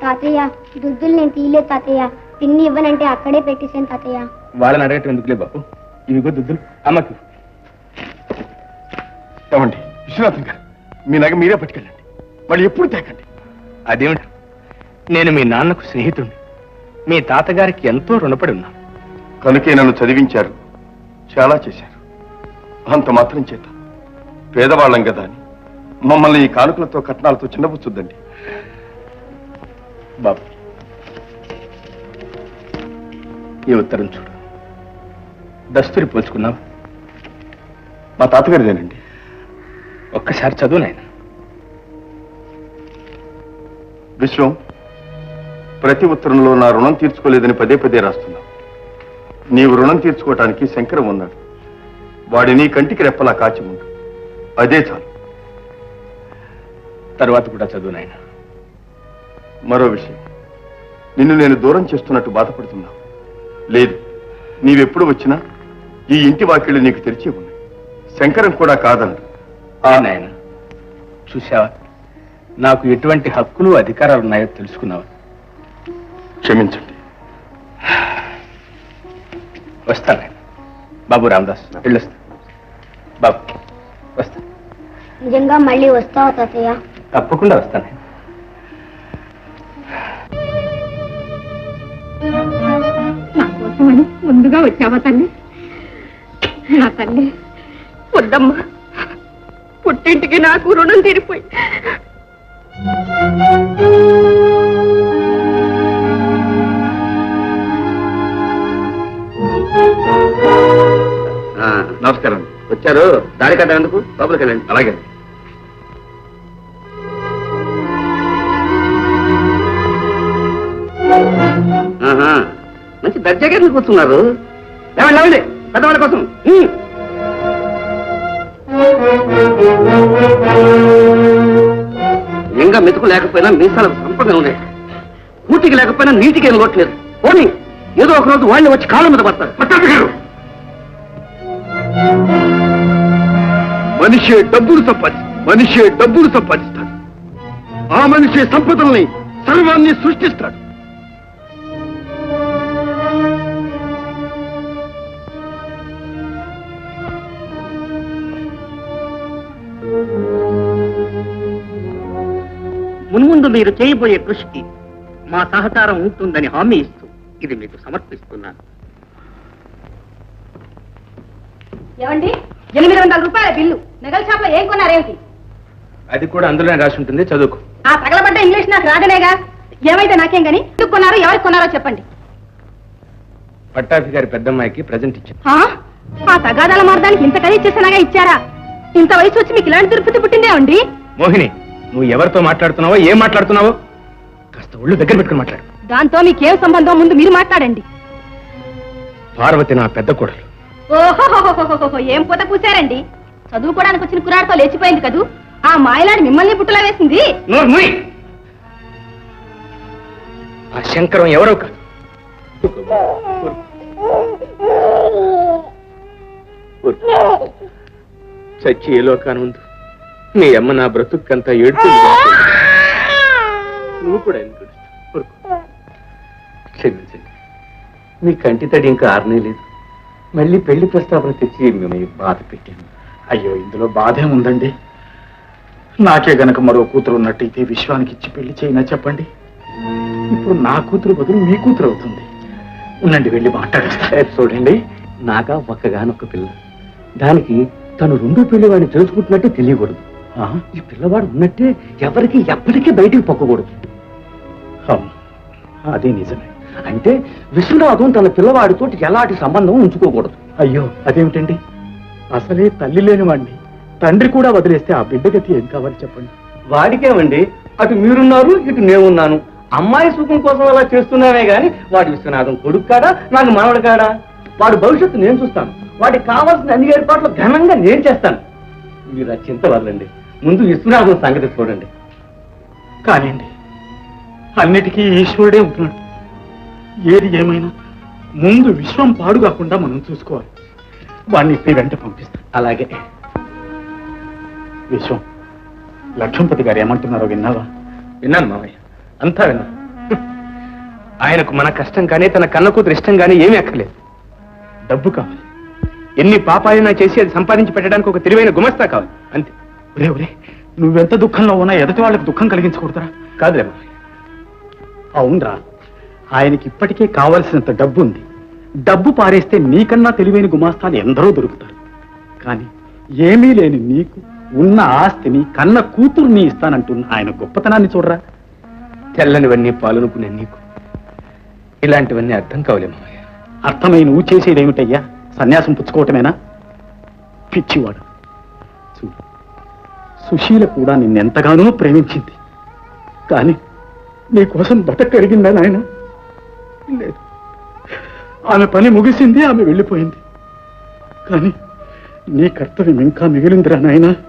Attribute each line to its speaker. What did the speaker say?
Speaker 1: తాతయ్య దుద్దులు నేను తీయలేదు తాతయ్య. పిన్ని ఇవ్వనంటే అక్కడే పెట్టేశాను తాతయ్య.
Speaker 2: వాళ్ళని అడగటం ఎందుకులే బాబు. ఇవిగో దుద్దులు అమ్మకి.
Speaker 3: ఏమండి విశ్వనాథం గారు, మీ నగ మీరే పట్టుకెళ్ళండి, మళ్ళీ ఎప్పుడు తేకండి.
Speaker 2: అదేమిటి, నేను మీ నాన్నకు స్నేహితుడిని, మీ తాతగారికి ఎంతో రుణపడి ఉన్నాను.
Speaker 3: కనుకే నన్ను చదివించారు, చాలా చేశారు. అంత మాత్రం చేత పేదవాళ్ళం కదా అని మమ్మల్ని ఈ కానుకలతో కట్నాలతో చిన్నపుచ్చుద్దండి.
Speaker 2: బాబు, ఈ ఉత్తరం చూడు. దస్తూరి పోల్చుకున్నావు.
Speaker 3: మా తాతగారిదేనండి.
Speaker 2: ఒక్కసారి చదువు నాయన.
Speaker 3: విశ్వం, ప్రతి ఉత్తరంలో నా రుణం తీర్చుకోలేదని పదే పదే రాస్తున్నావు. నీవు రుణం తీర్చుకోవటానికి శంకరం ఉన్నాడు. వాడిని కంటికి రెప్పలా కాచి ఉండు, అదే చాలు.
Speaker 2: తర్వాత కూడా చదువు నాయన.
Speaker 3: మరో విషయం, నిన్ను నేను దూరం చేస్తున్నట్టు బాధపడుతున్నావు. లేదు, నీవెప్పుడు వచ్చినా ఈ ఇంటి వాకిళ్ళు నీకు తెరిచి ఉన్నాయి. శంకరం కూడా కాదన్నాడు.
Speaker 2: నాయన, చూసావా, నాకు ఎటువంటి హక్కులు అధికారాలు ఉన్నాయో తెలుసుకున్నావా?
Speaker 3: క్షమించండి.
Speaker 2: వస్తాను బాబు. రామదాస్ వెళ్ళొస్తా. బాబు వస్తా.
Speaker 1: నిజంగా మళ్ళీ వస్తావా తాతయ్య?
Speaker 2: తప్పకుండా వస్తాను.
Speaker 4: నా కోసమని ముందుగా వచ్చావా తల్లి? నా తల్లి వద్దమ్మా, పుట్టింటికి నాకు రుణం తీరిపోయి.
Speaker 3: నమస్కారం.
Speaker 2: వచ్చారు, దారి కట్ట ఎందుకు? లోపలికి వెళ్ళండి.
Speaker 3: అలాగే.
Speaker 2: మంచి దర్జాగా కూర్చున్నారు. లేవండి లేవండి, పెద్దవాళ్ళ కోసం. ఇంకా మెతుకు లేకపోయినా మీసాలకు సంపంగా ఉన్నాయి. కూటికి లేకపోయినా నీటికి ఏం లోట్లేదు. పోనీ ఏదో ఒక రోజు వాళ్ళు వచ్చి కాళ్ళ మీద పడతారు.
Speaker 3: మనిషే డబ్బులు సంపాదిస్తాడు. ఆ మనిషే సంపదల్ని సర్వాన్ని సృష్టిస్తాడు.
Speaker 5: మున్ముందు మీరు చేయబోయే కృషికి మా సహకారం ఉంటుందని హామీ ఇస్తూ ఇది మీకు సమర్పిస్తున్నాను.
Speaker 4: ఏమండి, 800 రూపాయల బిల్లు నగల షాప్ లో ఏం కొన్నారేమిటి?
Speaker 2: అది కూడా అందులోనే రాసి ఉంటుంది, చదువుకు.
Speaker 4: ఆ తగలబడ్డ ఇంగ్లీష్ నాకు రాదనేగా. ఏమైతే నాకేం గాని, ఎందుకు కొన్నారో ఎవరికి కొన్నారో చెప్పండి.
Speaker 2: పట్టాభి గారి పెద్దమ్మాయికి ప్రజెంట్ ఇచ్చాను.
Speaker 4: ఆ తగాదాల మార్గానికి ఇంత ఖరీదు చేసినాగా ఇచ్చారా? ఇంత వయసు వచ్చి మీకు ఇలాంటి దుర్పతి పుట్టిందే అండి.
Speaker 2: మోహిని, నువ్వు ఎవరితో మాట్లాడుతున్నావో, ఏం మాట్లాడుతున్నావో కాస్త ఒళ్ళు దగ్గర పెట్టుకుని మాట్లాడు.
Speaker 4: దాంతో మీకేం సంబంధం, ముందు మీరు మాట్లాడండి.
Speaker 2: పార్వతి నా పెద్ద కోడలు.
Speaker 4: ఓహో, ఏం పూత పూసారండి. చదువుకోవడానికి వచ్చిన కురాడితో లేచిపోయింది కదూ. ఆ మాయలాడి మిమ్మల్ని పుట్టులా వేసింది.
Speaker 2: ఆ శంకరం ఎవరో కాదు. చచ్చి ఏ లోకానుందు మీ అమ్మ నా బ్రతుక్కంతా ఏడుతుంది. నువ్వు కూడా ఎందుకు క్షమించండి. మీ కంటి తడి ఇంకా ఆరనే లేదు. మళ్ళీ పెళ్లి ప్రస్తావన తెచ్చి మిమ్మల్ని బాధ పెట్టాను.
Speaker 6: అయ్యో, ఇందులో బాధే ఉందండి. నాకే గనక మరో కూతురు ఉన్నట్టయితే విశ్వానికి ఇచ్చి పెళ్లి చేయినా చెప్పండి. ఇప్పుడు నా కూతురు బదులు మీ కూతురు అవుతుంది. ఉండండి, వెళ్ళి మాట్లాడేస్తా.
Speaker 2: చూడండి, నాగా ఒక్కగానొక్క పిల్ల. దానికి తను రెండో పెళ్లి వాడిని తెలుసుకుంటున్నట్టే తెలియకూడదు. ఈ పిల్లవాడు ఉన్నట్టే ఎవరికి ఎప్పటికీ బయటికి పొక్కకూడదు.
Speaker 6: అదే నిజమే.
Speaker 2: అంటే విశ్వనాథం తన పిల్లవాడితో ఎలాంటి సంబంధం ఉంచుకోకూడదు.
Speaker 6: అయ్యో, అదేమిటండి? అసలే తల్లి లేని వాడిని తండ్రి కూడా వదిలేస్తే ఆ బిడ్డ గతి ఏం కావాలి చెప్పండి.
Speaker 2: వాడికేమండి, అటు మీరున్నారు, ఇటు నేనున్నాను. అమ్మాయి సుఖం కోసం అలా చేస్తున్నామే గాని వాడి విశ్వనాథం కొడుకు కాడా, నాకు మనవడు కాడా? వాడి భవిష్యత్తు నేను చూస్తాను. వాడికి కావాల్సిన అన్ని ఏర్పాట్లు ఘనంగా నేను చేస్తాను. మీరు ఆ చింత వదలండి, ముందు విశ్వనాథం సంగతి చూడండి.
Speaker 6: కానివ్వండి, అన్నిటికీ ఈశ్వరుడే ఉంటున్నాడు. ఏది ఏమైనా ముందు విశ్వం పాడు కాకుండా మనం చూసుకోవాలి. వాడిని ఇప్పుడు వెంట పంపిస్తాం.
Speaker 2: అలాగే.
Speaker 6: విశ్వం, లక్ష్మణపతి గారు ఏమంటున్నారో విన్నావా?
Speaker 2: విన్నాను మామయ్య, అంతా విన్నాను. ఆయనకు మన కష్టం కానీ తన కన్న కూతురు ఇష్టం కానీ ఏమీ అక్కర్లేదు. డబ్బు కావాలి. ఎన్ని పాపాలైనా చేసి అది సంపాదించి పెట్టడానికి ఒక తెలివైన గుమస్తా కావాలి, అంతే.
Speaker 6: ఒరే ఒరే, నువ్వెంత దుఃఖంలో ఉన్నా ఎదుటి వాళ్ళకి దుఃఖం కలిగించకూడదురా.
Speaker 2: కాదులే మామయ్య.
Speaker 6: అవునరా, ఆయనకి ఇప్పటికే కావలసినంత డబ్బు ఉంది. డబ్బు పారేస్తే నీకన్నా తెలివైన గుమాస్తాలు ఎందరో దొరుకుతారు. కానీ ఏమీ లేని నీకు ఉన్న ఆస్తిని కన్న కూతుర్ని ఇస్తానంటున్న ఆయన గొప్పతనాన్ని చూడరా.
Speaker 2: తెల్లనివన్నీ పాలనుకునే నీకు ఇలాంటివన్నీ అర్థం కావలే మామయ్య.
Speaker 6: అర్థమై నువ్వు చేసేదేమిటయ్యా? సన్యాసం పుచ్చుకోవటమేనా? పిచ్చివాడు. చూడు, సుశీల కూడా నిన్నెంతగానో ప్రేమించింది. కానీ నీకోసం బతకరిగిందా నాయన? లేదు. ఆమె పని ముగిసింది, ఆమె వెళ్ళిపోయింది. కానీ నీ కర్తవ్యం ఇంకా మిగిలిందిరా నాయనా.